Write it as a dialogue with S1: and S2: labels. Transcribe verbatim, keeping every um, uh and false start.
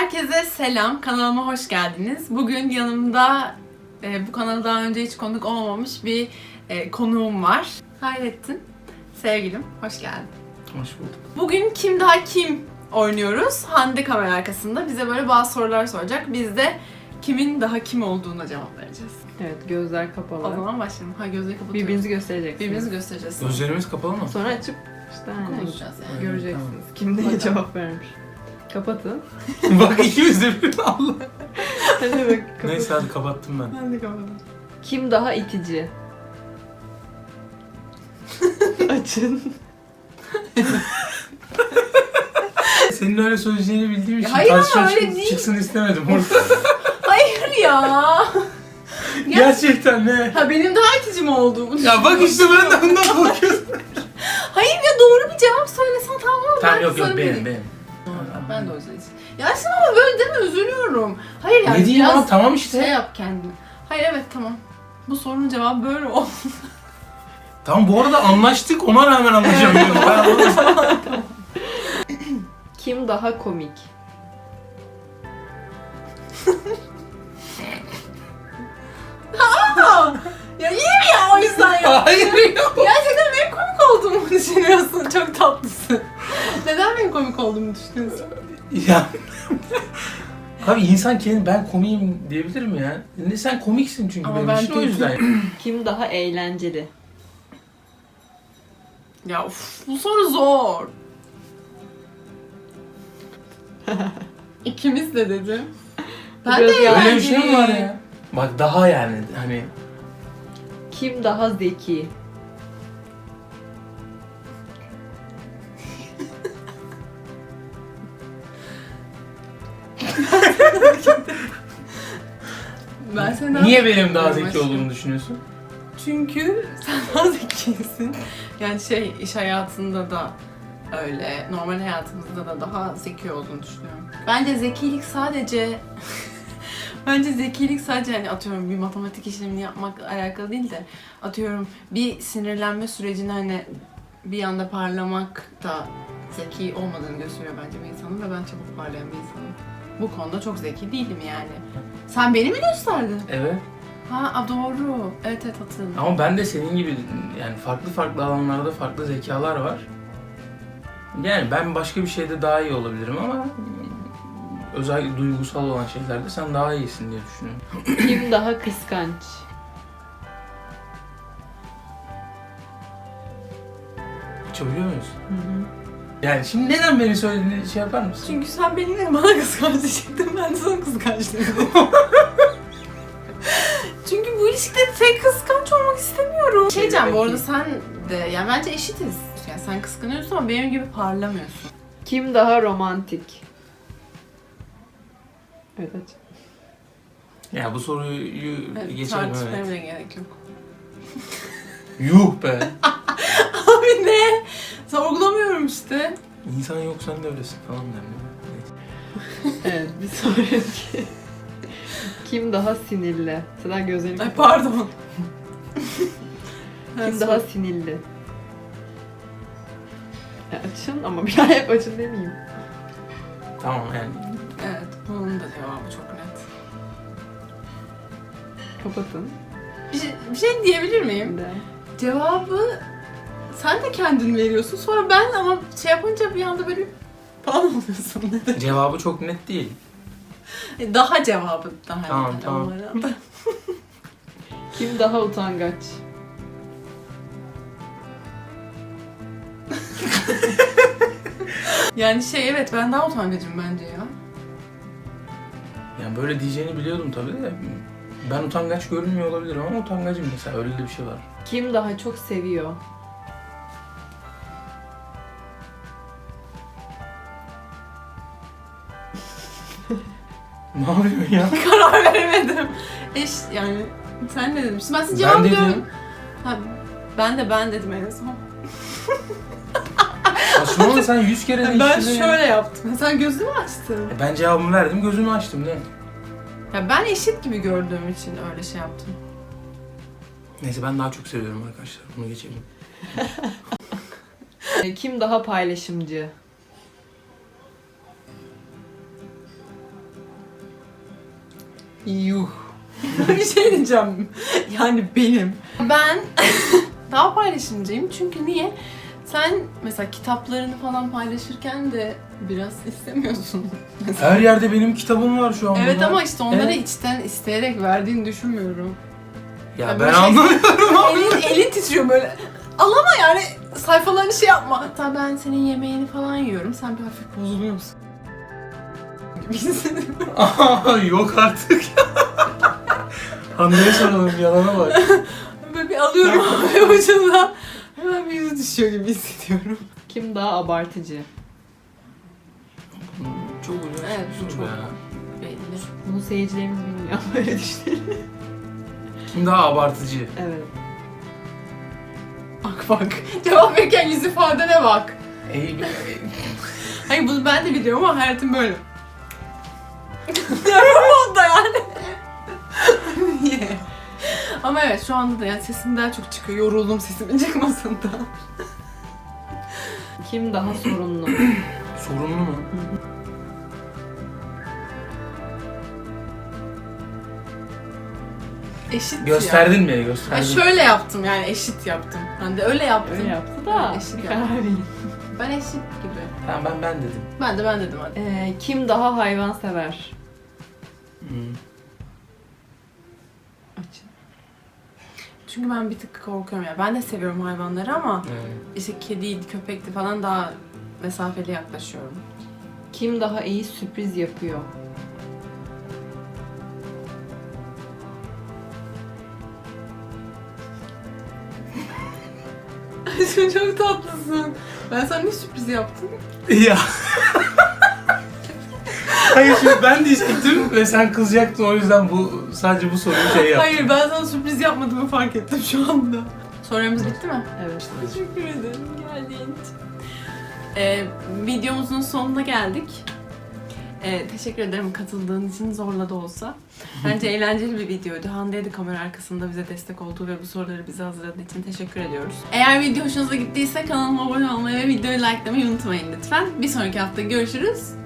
S1: Herkese selam, kanalıma hoş geldiniz. Bugün yanımda e, bu kanala daha önce hiç konuk olmamış bir e, konuğum var. Hayrettin, sevgilim, hoş geldin.
S2: Hoş bulduk.
S1: Bugün Kim Daha Kim oynuyoruz. Hande kamera arkasında bize böyle bazı sorular soracak. Biz de kimin daha kim olduğuna cevap vereceğiz.
S3: Evet, gözler
S1: O
S3: kapalı.
S1: zaman başlayalım. Ha gözleri kapatıyoruz.
S3: Birbirinizi göstereceksiniz.
S1: Birbirimizi göstereceğiz.
S2: Gözlerimiz kapalı mı?
S3: Sonra açıp işte hani
S1: Konuşacağız yani.
S3: göreceksiniz.
S2: Tamam.
S3: Kim neye
S1: Bakalım.
S3: cevap vermiş. Kapatın.
S2: Bak ikimiz de bir Allah.
S3: Hadi bak kapatın.
S2: Neyse hadi kapattım ben.
S1: Ben de kapatalım.
S3: Kim daha itici? Açın.
S2: Senin öyle söyleyeceğini bildiğim için
S1: hayır ama
S2: tartışma
S1: öyle
S2: çık-
S1: değil.
S2: çıksın istemedim burada.
S1: Hayır ya.
S2: Gerçekten ne?
S1: Ha benim daha itici mi olduğumu
S2: Ya bak işte ben de bundan korkuyorum.
S1: Hayır ya doğru bir cevap söylesen tamam mı?
S2: Tamam
S1: Ben
S2: yok yok
S1: sana
S2: benim
S1: vereyim.
S2: benim.
S1: Ben de o yüzden için. Ya aslında ama böyle deme, üzülüyorum. Hayır yani
S2: Ne diyeyim
S1: biraz
S2: ama tamam işte.
S1: şey yap kendini. Hayır evet tamam. Bu sorunun cevabı böyle oldu.
S2: Tamam bu arada anlaştık ona rağmen anlaşamıyorum. Ben onu-
S3: Kim daha komik?
S1: Ya iyi mi ya o yüzden ya?
S2: Hayır yok.
S1: Gerçekten benim komik olduğumu düşünüyorsun. Çok tatlısın. Neden benim komik olduğumu düşünüyorsun?
S2: Ya. Abi insan kendi ben komiyim diyebilir mi ya? Ne sen komiksin çünkü
S1: Ama
S2: benim
S1: ben
S2: için o
S1: değilim.
S2: yüzden.
S3: Kim daha eğlenceli?
S1: Ya uf, bu soru zor. İkimiz de dedim. Ben
S3: Biraz
S1: de
S3: yalan.
S2: Öyle bir şey mi var
S1: eğlenceliyim.
S2: ya? Bak daha yani hani
S3: Kim daha zeki?
S1: Ben senden
S2: niye benim daha zeki
S1: aşkım.
S2: olduğumu düşünüyorsun?
S1: Çünkü sen daha zekisin. Yani şey iş hayatında da öyle, normal hayatımızda da daha zeki olduğunu düşünüyorum. Bence zekilik sadece bence zekilik sadece hani atıyorum bir matematik işlemini yapmakla alakalı değil de atıyorum bir sinirlenme sürecini hani bir anda parlamak da zeki olmadığını gösteriyor bence bir insanın ve ben çabuk parlayan bir insanım. Bu konuda çok zeki değilim yani. Sen beni mi gösterdin?
S2: Evet.
S1: Ha a, doğru. Evet evet hatırladım.
S2: Ama ben de senin gibi yani farklı farklı alanlarda farklı zekalar var. Yani ben başka bir şeyde daha iyi olabilirim ama özellikle duygusal olan şeylerde sen daha iyisin diye düşünüyorum.
S3: Kim daha kıskanç?
S2: Açabiliyor muyuz?
S3: Hı hı.
S2: Yani şimdi neden beni söylediğini şey yapar mısın?
S1: Çünkü sen benimle bana kıskanç diyecektin, ben de sana kıskanç dedim. Çünkü bu ilişkide tek kıskanç olmak istemiyorum. Şey diyeceğim bu arada sen de, yani bence eşitiz. Yani sen kıskanıyorsun ama benim gibi parlamıyorsun.
S3: Kim daha romantik? Evet aç.
S2: Ya bu soruyu
S1: Evet,
S2: geçelim
S1: tartışmaya
S2: evet.
S1: bile gerek yok.
S2: Yuh be!
S1: Abi ne? Sorgulamıyorum işte.
S2: İnsan yok sen de öylesin falan derdim. Neyse.
S3: Evet bir sonraki. Kim daha sinirli? Sıra gözlerini
S1: Ay
S3: kapat.
S1: pardon.
S3: Kim daha sinirli? Ya açın ama bir daha hep açın demeyeyim.
S2: Tamam yani.
S1: Evet, bunun da cevabı çok net.
S3: Kapatın.
S1: Bir şey, bir şey diyebilir miyim?
S3: De.
S1: Cevabı sen de kendin veriyorsun. Sonra ben ama şey yapınca bir anda böyle falan oluyorsun. Neden?
S2: Cevabı çok net değil.
S1: Daha cevabı daha
S2: Tamam,
S1: net
S2: tamam.
S1: onlara.
S3: Kim daha utangaç?
S1: Yani şey evet ben daha utangacım bence ya.
S2: Yani böyle diyeceğini biliyordum tabii de. Ben utangaç görünmüyor olabilirim ama utangacım mesela öyle de bir şey var.
S3: Kim daha çok seviyor?
S2: Ne yapıyorsun ya?
S1: Karar veremedim. Eş yani sen ne demiştin? Ben size
S2: Ben
S1: cevabı
S2: dedim.
S1: diyorum. Ha, ben de ben dedim en son.
S2: Aslında sen yüz kere
S1: Ben
S2: değiştirdin ya.
S1: şöyle yaptım. Sen gözünü açtın.
S2: E Ben cevabımı verdim, gözümü açtım ne?
S1: Ya ben eşit gibi gördüğüm için öyle şey yaptım.
S2: Neyse ben daha çok seviyorum arkadaşlar. Bunu geçelim.
S3: Kim daha paylaşımcı?
S2: Yuh.
S1: Bir şey diyeceğim. Yani benim. Ben daha paylaşımcıyım çünkü niye? Sen mesela kitaplarını falan paylaşırken de biraz istemiyorsun.
S2: Her yerde benim kitabım var şu an.
S1: Evet
S2: burada.
S1: ama işte onları
S2: Evet.
S1: içten isteyerek verdiğini düşünmüyorum.
S2: Ya
S1: Ya
S2: ben
S1: böyle şey-
S2: anlamıyorum.
S1: elin, elin titriyor böyle. Alama yani sayfalarını şey yapma. Hatta ben senin yemeğini falan yiyorum. Sen bir hafif bozuluyor musun? Gibi hissediyorum.
S2: Aa, yok artık. Hande'ye soralım, yalana bak.
S1: Böyle bir alıyorum ve ucundan hemen bir yüzü düşüyor gibi hissediyorum.
S3: Kim daha abartıcı?
S2: Çok ucuz.
S1: Evet, bu çok-
S2: Ya.
S1: Belli.
S3: Bunu seyircilerimiz bilmiyor. Böyle düşünelim.
S2: Kim daha abartıcı?
S3: Evet.
S1: Bak bak. Cevap verirken yüz ifadene bak.
S2: Ey,
S1: Hayır bunu ben de biliyorum ama hayatım böyle. Yapamam da yani. Niye? Ama evet şu anda da yani sesim daha çok çıkıyor. Yoruldum sesimin çıkmasından.
S3: Kim daha sorunlu?
S2: sorunlu mu?
S1: Eşit ya.
S2: Gösterdin mi?
S1: Ha,
S2: Gösterdin.
S1: şöyle yaptım yani eşit yaptım. Ben de öyle yaptım.
S3: Öyle yaptı da
S1: Eşit
S3: bir
S1: yani.
S3: karar verin.
S1: Ben eşit gibi.
S2: Tamam, ben ben dedim.
S1: Ben de ben dedim hadi.
S3: Ee, kim daha hayvan sever?
S2: Hmm.
S3: Açın.
S1: Çünkü ben bir tık korkuyorum ya. Ben de seviyorum hayvanları ama
S2: Evet.
S1: işte kediydi, köpekti falan daha mesafeli yaklaşıyorum.
S3: Kim daha iyi sürpriz yapıyor?
S1: Sen çok tatlısın. Ben sana ne sürpriz yaptım?
S2: Ya. Hayır, şimdi ben diyecektim ve sen kızacaktın, o yüzden bu sadece bu soruyu şey yaptım.
S1: Hayır ben sana sürpriz yapmadığımı fark ettim şu anda. Sorularımız bitti mi?
S3: Evet.
S1: Teşekkür ederim geldiğin için. Ee, videomuzun sonuna geldik. Ee, teşekkür ederim katıldığın için zorla da olsa. Bence eğlenceli bir videoydu. Hande'ye de kamera arkasında bize destek olduğu ve bu soruları bize hazırladığı için teşekkür ediyoruz. Eğer video hoşunuza gittiyse kanalıma abone olmayı ve videoyu likelamayı unutmayın lütfen. Bir sonraki hafta görüşürüz.